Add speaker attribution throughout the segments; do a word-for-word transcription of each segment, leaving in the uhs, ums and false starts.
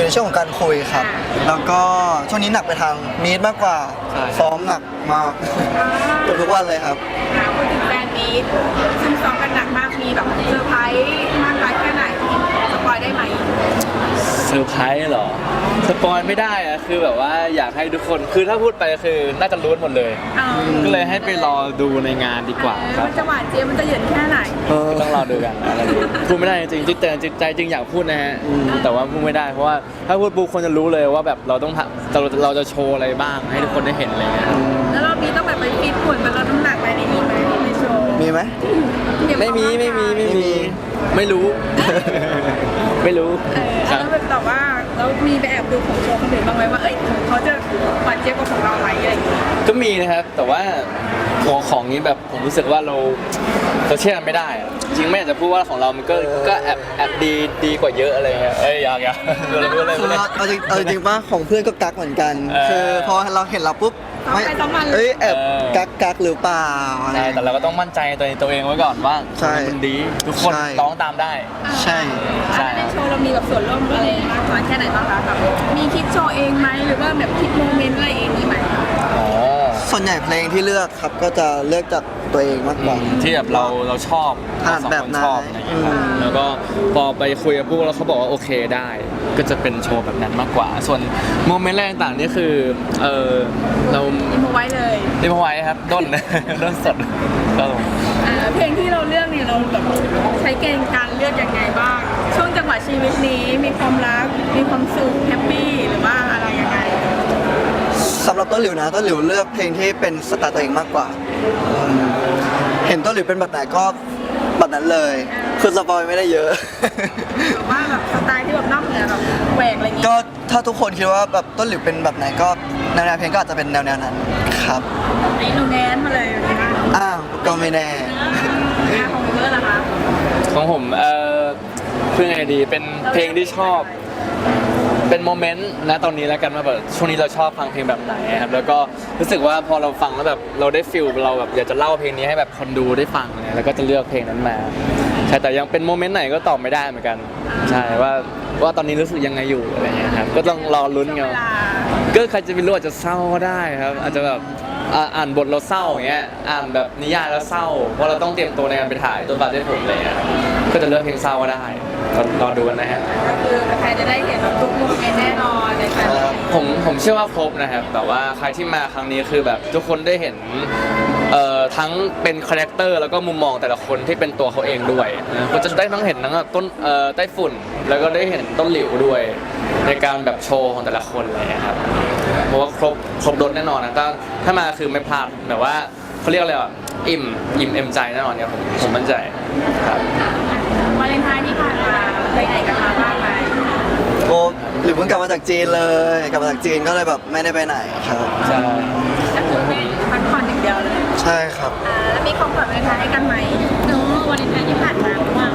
Speaker 1: ในช่วงของการคุยครับแล้วก็ช่วงนี้หนักไปทางมีดมากกว่าซ้อมหนักมากทุกวันเลยครับ
Speaker 2: พูดถึงแฟนมีดซึ่งซ้อมกันหนักมากมีแบบเซอร์ไพรส์มากน้อยแค่ไหนสปอยได้ไหม
Speaker 3: เซอร์ไพรส์เหรอสปอยไม่ได้อะคือแบบว่าอยากให้ทุกคนคือถ้าพูดไปคือน่าจะรู้หมดเลยก็เลยให้ไปรอดูในงานดีกว่าครับ
Speaker 2: มันจะหวานเจี๊ยบมันจะเหยินแค่ไหน
Speaker 3: ต้องรอดูกันอะไรพูดไม่ได้จริงๆแต่ใจจริงอยากพูดนะฮะแต่ว่าพูดไม่ได้เพราะว่าถ้าพูดปุ๊บคนจะรู้เลยว่าแบบเราต้องเราเราจะโชว์อะไรบ้างให้ทุกคนได้เห็นอะไรเงี้ย
Speaker 2: แล้วเรามีต้องแบบไปฟิตหุ่นไปลดน้ำหนักอะไรในนี้ไหมในโชว์
Speaker 1: มีไหม
Speaker 3: ไม่มีไม่มีไม่มีไม่รู้ไม่รู้
Speaker 2: แล้วแบบแต่ว่าเรามีไปแอบดูของโชว์คนอื่นบ้างไหมว่าเอ้ยเขาจะหวานเจี๊ยบกว่าของเราไหมอะไรอย่างเงี้ย
Speaker 3: ก็มีนะครับแต่ว่าของของนี้แบบผมรู้สึกว่าเราเราเชื่อไม่ได้จริงไม่อยากจะพูดว่าของเรามันก็ก็แอบแอบดีดีกว่าเยอะอะไรเงี้ยเอ้ยอยากอยากเราพูดอะไร
Speaker 1: พูดอะไรเอาจริงเอาจริงป่ะของเพื่อนก็กักเหมือนกันคือพอเราเห็นเราปุ๊บไม่เอ้ยแอบกักกักหรือเปล่า
Speaker 3: ใช่แต่เราก็ต้องมั่นใจตัวตัวเองไว้ก่อนว่ามันดีทุกคนร้องตามได้
Speaker 1: ใช่
Speaker 2: ใช่ในโชว์เรามีแบบส่วนร่วมอะไรมากน้อยแค่ไหนบ้างคะแบบมีคิดโชว์เองไหมหรือว่าแบบคิดโมเมนต์อะไรเองมีไหม
Speaker 1: ส่วนใหญ่เพลงที่เลือกครับก็จะเลือกจากตัวเองมากกว่า
Speaker 3: ที่แบบเราเราชอบ
Speaker 1: ถนัดแบบนั้น
Speaker 3: แล้วก็พอไปคุยกับพวกแล้วเขาบอกว่าโอเคได้ก็จะเป็นโชว์แบบนั้นมากกว่าส่วนโมเมนต์แรกต่างนี่คือเออเรา
Speaker 2: ดิมไว้เลย
Speaker 3: ดิมไว้ครับด้นด้นสดก็
Speaker 2: เพลงที่เราเลือกเนี่ยเราแบบใช้เกณฑ์การเลือกยังไงบ้างช่วงจังหวะชีวิตนี้มีความรักมีความสุขแฮปปี้หรือว่าอะไรยังไง
Speaker 1: สำหรับต้นหลิวนะต้นหลิวเลือกเพลงที่เป็นสไตล์ตัวเองมากกว่าเห็นต้นหลิวเป็นแบบไหนก็แบบนั้นเลยคือสปอยไม่ได้เยอะ
Speaker 2: แต่ว่าแบบสไตล์ที่แบบนอกเหนือแบบแหวกอะไรอย่างงี้
Speaker 1: ก็ถ้าทุกคนคิดว่าแบบต้นหลิวเป็นแบบไหนก็แนวเพลงก็อาจจะเป็นแนวนั้นครับ
Speaker 2: ไอ้หนูแนนมาเลย
Speaker 1: อ้าวก็ไม่แน่
Speaker 2: ของเบอร์ล่ะคะ
Speaker 3: ของผมเออเพื่อไงดีเป็นเพลงที่ชอบเป็นโมเมนต์นะตอนนี้แล้วกันว่าแบบช่วงนี้เราชอบฟังเพลงแบบไหนครับแล้วก็รู้สึกว่าพอเราฟังแล้วแบบเราได้ฟิลเราแบบอยากจะเล่าเพลงนี้ให้แบบคนดูได้ฟังเนี่ยแล้วก็จะเลือกเพลงนั้นมาใช่แต่ยังเป็นโมเมนต์ไหนก็ตอบไม่ได้เหมือนกันใช่ว่าว่าตอนนี้รู้สึกยังไงอยู่อะไรเงี้ยครับก็ต้องรอลุ้นกันก็ใครจะไปรู้อาจจะเศร้าก็ได้ครับอาจจะแบบอ่านบทเราเศร้าอย่างเงี้ยอ่านแบบนิยายแล้วเศร้าเพราะเราต้องเตรียมตัวในการไปถ่ายตัวบัตรได้ผมอะไรเงี้ยก็จะเลือกเพลงเศร้าก็ได้รอดูกันนะฮะ
Speaker 2: ก็คือใครจะได้เห็นแบบทุกโมเมนต์แน่นอนในการ
Speaker 3: ผมผมเชื่อว่าครบนะครับแต่ว่าใครที่มาครั้งนี้คือแบบทุกคนได้เห็นเอ่อทั้งเป็นคาแรคเตอร์แล้วก็มุมมองแต่ละคนที่เป็นตัวเขาเองด้วยนะก็จะได้ทั้งเห็นทั้งต้นเอ่อไต้ฝุ่นแล้วก็ได้เห็นต้นหลิวด้วยในการแบบโชว์ของแต่ละคนเลยครับเพราะว่าครบครบรถแน่นอนนะถ้าถ้ามาคือไม่พลาดแบบว่าเขาเรียกอะไรอ่ะอิ่มอิ่มเอ็มใจแน่นอนเนี่ยผมผมมั่นใจครับ
Speaker 2: วาเลนไทน์ที่ผ่านมาไปไหนกันมาบ้างไหม
Speaker 1: โอ้หรือเพิ่งกลับมาจากจีนเลยกลับมาจากจีนก็เลยแบบไม่ได้ไปไหนครับ
Speaker 3: ใช่
Speaker 2: ก็คือไปพักผ่อนอย่างเดียวเลย
Speaker 1: ใช่ครับ
Speaker 2: อ่าแล้วมีของขวัญวาเลนไทน์ให้กันไหมโน้วาเลนไทน์ที่ผ่านมาหรือเปล่า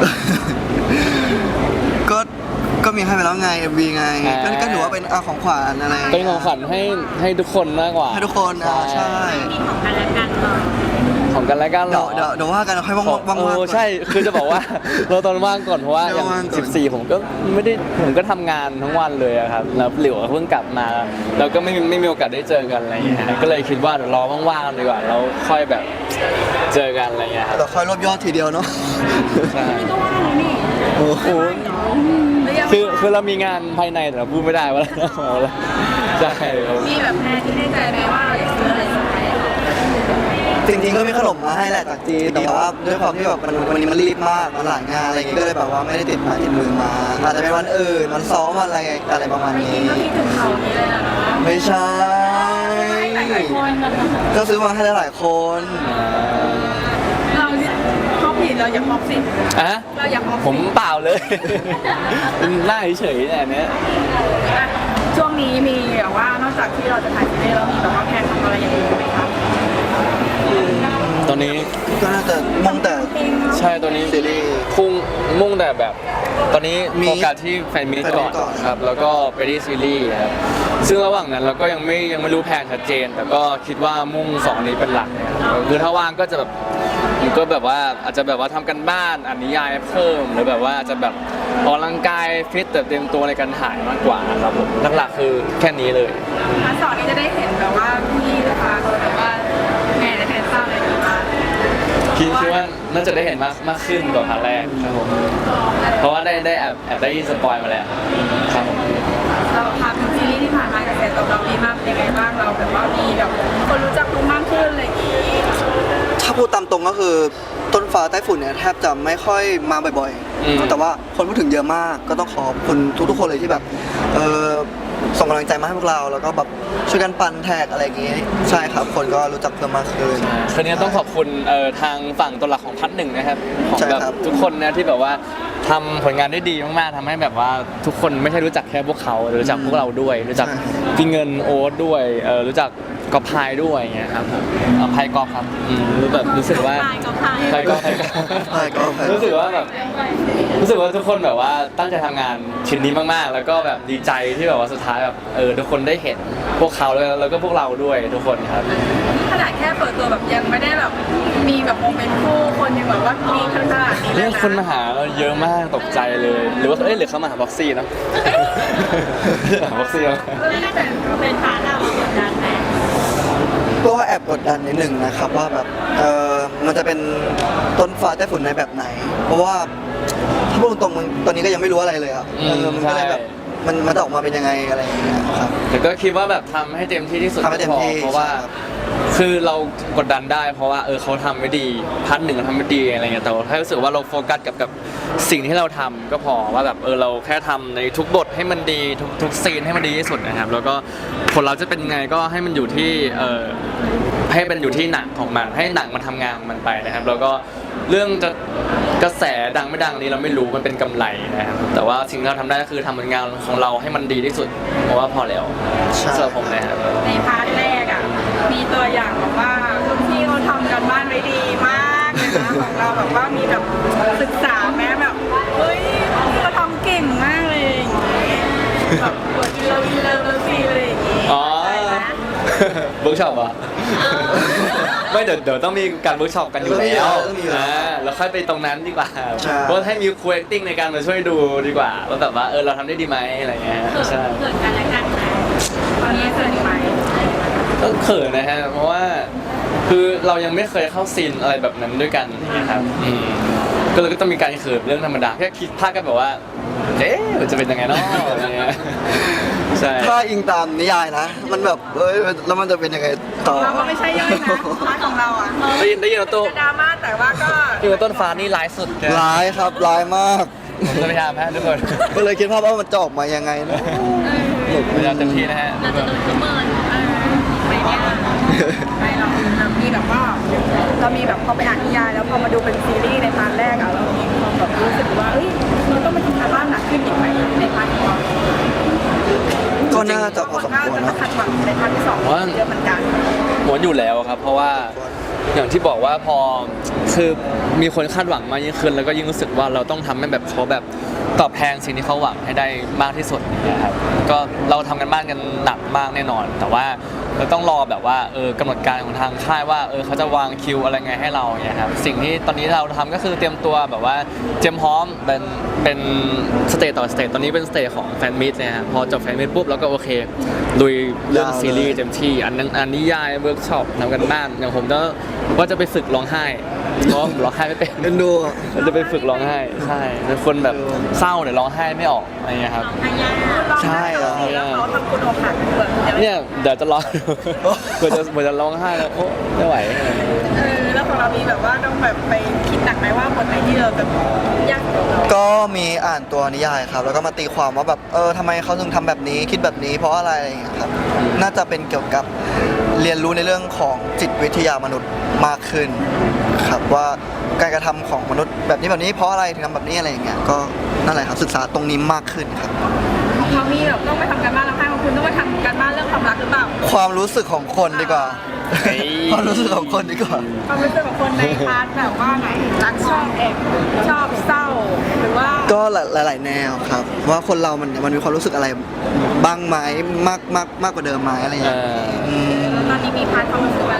Speaker 1: ก็ก็มีให้ไปแล้วไง เอ็ม วี ไงก็ก็ถือว่าเป็นอาของขวัญอะไร
Speaker 3: เป็นของขวัญให้ให้ทุกคนมากกว่า
Speaker 1: ให้ทุกคนอ่าใช่
Speaker 2: มีของกันและกันหรอ
Speaker 3: ของกันและกันหรอ
Speaker 1: เดี๋ยวเดี๋ยวว่ากันค่อยว่างว่างว่าง
Speaker 3: ใช่คือจะบอกว่าเราตอนว่างก่อนเพราะว่าอย่างสิบสี่ผมก็ไม่ได้ผมก็ทำงานทั้งวันเลยครับแล้วหลิวเพิ่งกลับมาเราก็ไม่ไม่มีโอกาสได้เจอกันอะไรอย่างเงี้ยก็เลยคิดว่าเดี๋ยวรอว่างๆดีกว่าเราค่อยแบบเจอกันอะไรเงี้ย
Speaker 1: เราค่อยรวบยอดทีเดียวเนาะ
Speaker 3: ใช่
Speaker 2: ก็ว่างเลยนี่
Speaker 3: โอ้โหคือคือเรามีงานภายในแต่เราพูดไม่ได้ว่าอะไรใช่
Speaker 2: มีแบบแพนที่ได้ใจไหมว่าอยากซื้ออะไร
Speaker 1: จริงๆก็มีขนมมาให้แหละจากจีนแต่ว่าด้วยความที่แบบมันวันนี้มันรีบมากมันหลายงานอะไรอย่างงี้ก็เลยแบบว่าไม่ได้ติดมาติดมือมาอาจจะเป็นวันอื่นวันซ้อมวันอะไรอะไรประมาณนี้
Speaker 2: ก็คิดถึงเขานี้เลยนะ
Speaker 1: ไม่ใช่ก็ซื้อมาให้หลายคน
Speaker 2: เราฮอปผิดเราอย่าฮอปสิ
Speaker 3: อะ
Speaker 2: เราอย่าฮอป
Speaker 3: ผมเปล่าเลยหน้าเฉยๆเนี่ยเนี้ย
Speaker 2: ช่วงนี้มีแบบว่านอกจากที่เราจะถ่ายซีรีส์แล้วมีแบบว่าแพนทำอะไรอย่างอื่นไหมครับ
Speaker 3: ตอนนี้
Speaker 1: ก็น่าจะมุ่งแต่
Speaker 3: ใช่ตอนนี้
Speaker 1: ซีรีส์
Speaker 3: พุ่งมุ่งแต่แบบตอนนี้โฟกัสที่แฟนมิตก่อนครับแล้วก็ไปที่ซีรีส์ครับซึ่งระหว่างนั้นเราก็ยังไม่ยังไม่รู้แผนชัดเจนแต่ก็คิดว่ามุ่งสองนี้เป็นหลักเนี่ยคือถ้าว่างก็จะแบบมันก็แบบว่าอาจจะแบบว่าทำกันบ้านอ่านนิยายเพิ่มหรือแบบว่าอาจจะแบบออกกำลังกายฟิตแต่เต็มตัวในการถ่ายมากกว่าครับผมหลักๆคือแค่นี้เลย
Speaker 2: พาร์ทสองนี้จะได้เห็นแบบว่าพี่นะคะแบบว่าแง่ในแทนเศร้าอะไรอย่างเงี้ย
Speaker 3: คิดคิดว่าน่าจะได้เห็นมากมากขึ้นกว่าพาร์ทแรกครับผมเพราะว่าได้ได้แอบแอบได้ยินสปอยมาแล้วครับผม
Speaker 2: เราทำซีรีส์ที่ผ่านมากระแสตอบรับดีมากเป็นยังไงบ้างเราแบบว่ามีแบบคนรู้จักรู้มากขึ้นอะไรอย่างงี้
Speaker 1: ถ้าพูดตามตรงก็คือต้นฟ้าใต้ฝุ่นเนี่ยแทบจะไม่ค่อยมาบ่อยๆแต่ว่าคนพูดถึงเยอะมากก็ต้องขอบคุณทุกๆคนเลยที่แบบเออส่งกำลังใจมาให้พวกเราแล้วก็แบบช่วยกันปั่นแท็กอะไรอย่างงี้ใช่ครับคนก็รู้จักเพิ่มมากขึ้น
Speaker 3: คืนนี้ต้องขอบคุณเอ่อทางฝั่งตัวหลักของพัดหนึ่งนะครับของ
Speaker 1: ใช่
Speaker 3: แบบ
Speaker 1: ครับ
Speaker 3: ทุกคนนะที่แบบว่าทำผลงานได้ดีมากๆทำให้แบบว่าทุกคนไม่ใช่รู้จักแค่พวกเขารู้จักพวกเราด้วย รู้จักพี่เงินโอ๊ตด้วยเอ่อรู้จักกอพายด้วยอย่างเงี้ยครับผมเอ่อพายกอล์ฟครับอืมรู้แบบรู้สึกว่า
Speaker 2: พายก็พาย
Speaker 3: พายกอล์ฟพายกอล์ฟ
Speaker 1: พายกอล์ฟ
Speaker 3: รู้สึกว่าแบบรู้สึกว่าทุกคนแบบว่าตั้งใจทำงานชิ้นนี้มากๆ แล้วก็แบบดีใจที่แบบว่าสุดท้ายแบบเออทุกคนได้เห็นพวกเขาแล้วแล้วก็พวกเราด้วยทุกคนครับ
Speaker 2: ขนาดแค่เปิดตัวแบบยังไม่ได้แบบมีแบบโมเมนต์คู่คนยังแบบว่ามีขนาดนี้เล
Speaker 3: เนี่ย ย
Speaker 2: นะ
Speaker 3: คนมาหาเราเยอะมากตกใจเลย หรือว่าเอ้ยหรือเขามาหาบ็อกซี่เนอะ บ็อกซี่เนอะ
Speaker 2: เรื่องนี้เป็นเป็นพาร์ทเรากดดันไหม
Speaker 1: ก็แอบกดดันนิดหนึ่งนะครับว่าแบบเออมันจะเป็นต้นฟ้าใต้ฝุ่นในแบบไหน เพราะว่าถ้าพูดตรงๆมันตอนนี้ก็ยังไม่รู้อะไรเลยครับเออมันก็เลยแบบมันมันจะออกมาเป็นยังไงอะไรอย่างเงี้ยครับ
Speaker 3: แต่ก็คิดว่าแบบทำให้เต็มที่ที่สุด
Speaker 1: ทำให้เต็มที่
Speaker 3: เพราะว่า
Speaker 1: ใช่ครับ
Speaker 3: คือเรากดดันได้เพราะว่าเออเขาทำไม่ดีพัดหนึ่งเขาทำไม่ดีอะไรเงี้ยแต่ว่าถ้ารู้สึกว่าเราโฟกัสกับกับสิ่งที่เราทำก็พอว่าแบบเออเราแค่ทำในทุกบทให้มันดีทุกทุกซีนให้มันดีที่สุดนะครับแล้วก็ผลเราจะเป็นไงก็ให้มันอยู่ที่เออให้เป็นอยู่ที่หนังของมันให้หนังมันทำงานของมันไปนะครับแล้วก็เรื่องจะกระแสดังไม่ดังนี้เราไม่รู้มันเป็นกำไรนะครับแต่ว่าสิ่งที่เราทำได้ก็คือทำผลงานของเราให้มันดีที่สุดเพราะว่าพอแล้ว
Speaker 1: ใช่
Speaker 3: สำหรับผมนะครับ
Speaker 2: ในพาร์ทแรกอ่ะมีตัวอย่างแบบว่ารุ่นพี่เขาทำกันบ้านไว้ดีมากเลยนะของเราแบบว่ามีแบบศึกษาแม้แบบเฮ้ยเราทำเก่งมากเลยอย่างงี้แบบบทอินเลิฟอินเลิฟเลิฟซีอะไรอย่างงี้
Speaker 3: อ๋อ
Speaker 2: อะไรนะ
Speaker 3: เวิร์กช็อปเหรอ่ะ ไม่เดี๋ยวเดี๋ยวต้องมีการเวิร์กช็อปกันอยู่แล้ว
Speaker 1: ต้องมีอยู่แล้ว
Speaker 3: อ่าแล้วค่อยไปตรงนั้นดีกว่า
Speaker 1: ใช่
Speaker 3: เพราะให้มีครู acting ในการมาช่วยดูดีกว่าว่าแบบว่าเออเราทำได้ดีไหมอะไรเงี้ยใช่
Speaker 2: เกิดการและกันไหมตอนนี้เกิดไหม
Speaker 3: ก็เขินนะฮะเพราะว่าคือเรายังไม่เคยเข้าซีนอะไรแบบนั้นด้วยกันนะครับอืมก็เลยก็ต้องมีการเขินเรื่องธรรมดาแค่คิดภาพกันแบบว่าเอ๊ะมันจะเป็นยังไงเนาะอะไรเงี้ยใช่
Speaker 1: ถ้าอิงตามนิยายนะ มันแบบเอ้ยแล้วมันจะเป็นยังไงต่อ
Speaker 2: เราก็ไม่ใช่ย่อยนะพาร์ทของเราอ่ะ
Speaker 3: ได้ยินได้ยินว่าตัว
Speaker 2: จะดราม่าแต่ว่าก็
Speaker 3: ที่ว่าต้นฟ้านี่ร้ายสุดแก
Speaker 1: ร้ายครับร้ายมาก
Speaker 3: ผมจะพยายามฮะทุกคน
Speaker 1: ก็เลยคิดภาพว่ามันจะออกมายังไงนะ
Speaker 3: พยายามเต็มที่นะฮะ
Speaker 2: เราจะโดนเขาเมินเออไม่เนี่ยไม่หรอกเรามีแบบว่าเรามีแบบพอไปอ่านนิยายแล้วพอมาดูเป็นซีรีส์ในพาร์ทแรกอะเรามีความแบบรู้สึกว่าเอ้ยเราต้องไปทำการบ้านหนักขึ้นอีกไหมในพาร์ทของเรา
Speaker 1: ก็น่าจะพอสมควร
Speaker 2: จะ
Speaker 1: นะ
Speaker 2: คาดหวังในพาร์ทที่สองเยอะเหมือนกัน
Speaker 3: หวนอยู่แล้วครับ เพราะว่าอย่างที่บอกว่าพอคือมีคนคาดหวังมากยิ่งขึ้นแล้วก็ยิ่งรู้สึกว่าเราต้องทำให้แบบเขาแบบตอบแทนสิ่งที่เขาหวังให้ได้มากที่สุดนะครับก็เราทำกันบ้านกันหนักมากแน่นอน แต่ว่าเราต้องรอแบบว่าเออกำหนดการของทางค่ายว่าเออเขาจะวางคิวอะไรไงให้เราเนี่ยครับสิ่งที่ตอนนี้เราทำก็คือเตรียมตัวแบบว่าเตรียมพร้อมเป็นเป็นสเตจต่อสเตจตอนนี้เป็นสเตจของแฟนมิตเนี่ยครับพอจบแฟนมิตปุ๊บแล้วก็โอเคลุยเรื่องซีรีส์เต็มที่อันนั้นอันนิยายเวิร์กช็อปทำกันบ้านอย่างผมก็ว่าจะไปฝึกร้องไห้เพราะร้องไห้ไม่เป็น
Speaker 1: เอ็นดูอะ
Speaker 3: เราจะไปฝึกร้องไห้ใช่เป็นคนแบบเศร้าเดี๋ยวร้องไห้ไม่ออกอะไรเงี้ยครับ
Speaker 1: ใช่เหรอ
Speaker 2: แล้วเขาทำคุณอกหักเปิดเดี๋ยว
Speaker 3: เนี่ยเดี๋ยวจะร้องเผื่อจะเผื่อจะร้องไห้แล้วโอ้ไม่ไหวอะไรเงี้ย
Speaker 2: เออแล้วของเรามีแบบว่าต้องแบบไปคิดหนักไหมว่าบทไหนที่เราแบบยากของเรา
Speaker 1: ก็มีอ่านตัวนิยายครับ แล้วก็มาตีความว่าแบบเออทำไมเขาถึงทำแบบนี้คิดแบบนี้เพราะอะไรอะไรอย่างเงี้ยครับน่าจะเป็นเกี่ยวกับเรียนรู้ในเรื่องของจิตวิทยามนุษย์มากขึ้นครับว่าการกระทำของมนุษย์แบบนี้แบบนี้เพราะอะไรถึงทำแบบนี้อะไรอย่างเงี้ยก็นั่นแหละครับศึกษาตรงนี้มากขึ้นครับ
Speaker 2: ของเขามีแบบต้องไปทำการบ้านแล้วค่ะของคุณต้องไปทำการบ้านเรื่องความรักหรือเปล่า
Speaker 1: ความรู้สึกของคนดีกว่า
Speaker 3: เฮ้ย
Speaker 1: ความรู้สึกของคนดีกว่า
Speaker 2: ความรู้สึกของคนในพาร์ทแบบว่าไหนรักชอบแอบชอบเศร้าหรือว่า
Speaker 1: ก็หลาย ๆ แนวครับ ว่าคนเรามันมันมีความรู้สึกอะไรบ้างไหมมากมากมากกว่าเดิมไหมอะไรอย่าง
Speaker 3: เอ
Speaker 1: เงี้ย
Speaker 3: อ
Speaker 1: อืม
Speaker 2: ตอนนี้มีพาร์ทความรู้สึกอะไรอย่าง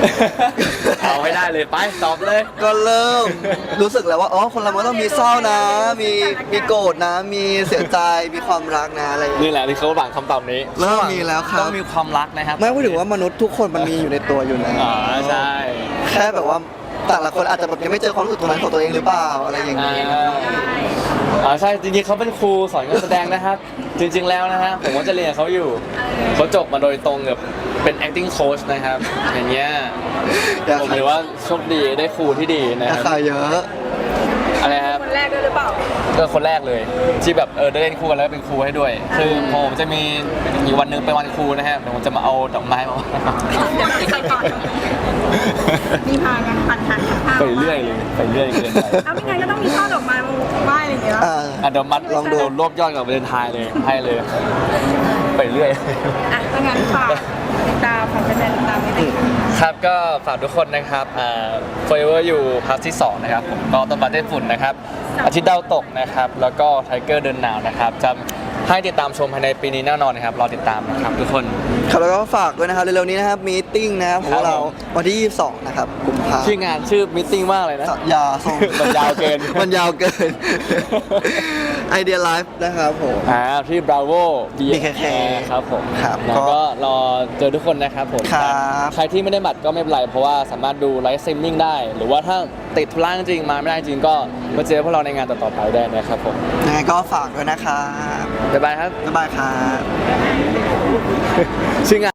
Speaker 3: เอาให้ได้เลยไปตอบเลย
Speaker 1: ก็เริ่มรู้สึกแล้วว่าอ๋อคนเรามันต้องมีเศร้านะ มีมีโกรธนะ มีเสียใจมีความรักนะอะไรอย่างเงี้ย
Speaker 3: นี่แหละที่เขาหวังคำตอบนี้
Speaker 1: เริ่มมีแล้วครับ
Speaker 3: ต้องมีความรักนะครับ
Speaker 1: ไม่พูดถึงว่ามนุษย์ทุกคนมันมีอยู่ในตัวอยู่แล้ว
Speaker 3: อ๋อใช่
Speaker 1: แค่แบบว่าแต่ละคนอาจจะแบบยังไม่เจอความรู้สึกตรงนั้นของตัวเองหรือเปล่าอะไรอย่าง
Speaker 3: อ่า
Speaker 1: เงี้ย
Speaker 3: อ๋อใช่จริงๆเขาเป็นครูสอนการแสดงนะครับ จริง ๆแล้วนะฮะผมก็จะเรียนกับเขาอยู่เขาจบมาโดยตรงกับเป็น acting coach นะครับ อย่างเงี้ย
Speaker 1: อยาก
Speaker 3: ผมถือว่าโชคดีได้ครูที่ดีนะ
Speaker 1: รา
Speaker 3: ครับ
Speaker 1: คาเยอะ
Speaker 3: อะไรครับ
Speaker 2: คนแรกด้วยหรือเปล่า
Speaker 3: ก็คนแรกเลยที่แบบเออได้เล่นคู่กันแล้วก็เป็นครูให้ด้วย คือผมจะมีอีกวันหนึงเป็นวันครูนะฮะเดี๋ยวผมจะมาเอาดอกไม้มา
Speaker 2: เดี๋ยวไปก่อนมีพากันปั่นหันพา
Speaker 3: ไปเรื่อยเลยไปเรื่อยเกินไป
Speaker 2: เอาไม่งั้นก็ต้องมีช่อดอกไม้มาไหว้อะไรอย่างเงี้ย
Speaker 1: อ่า
Speaker 3: อ่ะเดี๋ยวมัด
Speaker 1: ลองดู
Speaker 3: เดี๋ยวรวบยอดกับเดินทายเลยให้เลย ไปเรื่อย
Speaker 2: อ่ะถ้างั้นฝากติดตามฝากแฟนๆติดตามนิดนึง
Speaker 3: ครับก็ฝากทุกคนนะครับอ่า Forever อยู่พาร์ทที่สองนะครับผมก็ต้นปาเต้ฝุ่นนะครับอาทิตย์ดาวตกนะครับแล้วก็ไทเกอร์เดินหนาวนะครับจะให้ติดตามชมภายในปีนี้แน่นอนนะครับรอติดตามนะครับทุกคน
Speaker 1: ครับแล้วก็ฝากด้วยนะครับเร็วๆนี้นะครับมีติ้งนะครับของเราวันที่ยี่สิบสองนะครับกุมภา
Speaker 3: ชื่องานชื่อมิทติ้งมากเลยนะ
Speaker 1: สัญญาส่ง
Speaker 3: มันยาวเกิน
Speaker 1: มันยาวเกิน ไอเดียไลฟ์นะครับผม
Speaker 3: อ่าที่ Bravo บี
Speaker 1: บี
Speaker 3: เค
Speaker 1: เค
Speaker 3: ครับผม
Speaker 1: ครับ
Speaker 3: แล้ว
Speaker 1: ก็
Speaker 3: ก็รอเจอทุกคนนะครับผม
Speaker 1: ครับ
Speaker 3: ใครที่ไม่ได้บัตรก็ไม่เป็นไร เพราะว่าสามารถดูไลฟ์สตรีมมิ่งได้ หรือว่าถ้าติดธุระจริงๆมาไม่ได้จริงก็มาเจอพวกเราในงานต่อๆไปได้นะครับผม
Speaker 1: ยังไงก็ฝากด้วยนะครับ
Speaker 3: บ๊ายบายครับ
Speaker 1: บ๊ายบายครับ
Speaker 3: ชื่องาน